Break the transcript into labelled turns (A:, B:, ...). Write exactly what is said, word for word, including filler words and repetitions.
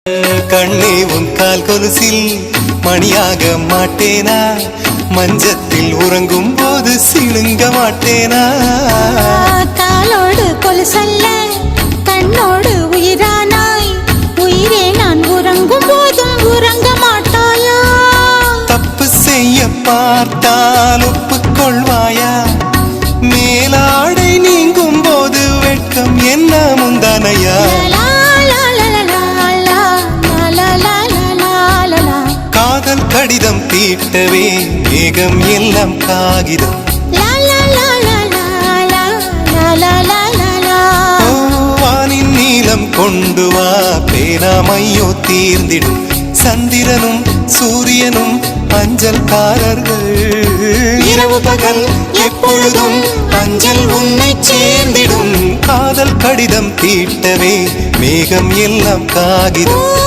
A: கண்ணே உன் கால் கொலுசில் மணியாக மாட்டேனா, மஞ்சத்தில் உறங்கும் போது சிணுங்க மாட்டேனா.
B: காலோடு கொலுசல்ல கண்ணோடு உயிரானாய், உயிரே நான் உறங்கும் போதும் உறங்க மாட்டாயா.
A: தப்பு செய்ய பார்த்தால் ஒப்புக்கொள்வாயா, மேலாடை நீங்கும் போது வெட்கம் என்ன முந்தானையா. காதல் கடிதம் தீட்டவே மேகம் எல்லாம் காகிதம், வானின் நீளம் கொண்டு வா பேனாமையோ தீர்ந்திடும். சந்திரனும் சூரியனும் அஞ்சல்காரர்கள், இரவு பகல் எப்பொழுதும் அஞ்சல் உன்னை சேர்ந்திடும். காதல் கடிதம் தீட்டவே மேகம் எல்லாம் காகிதம்.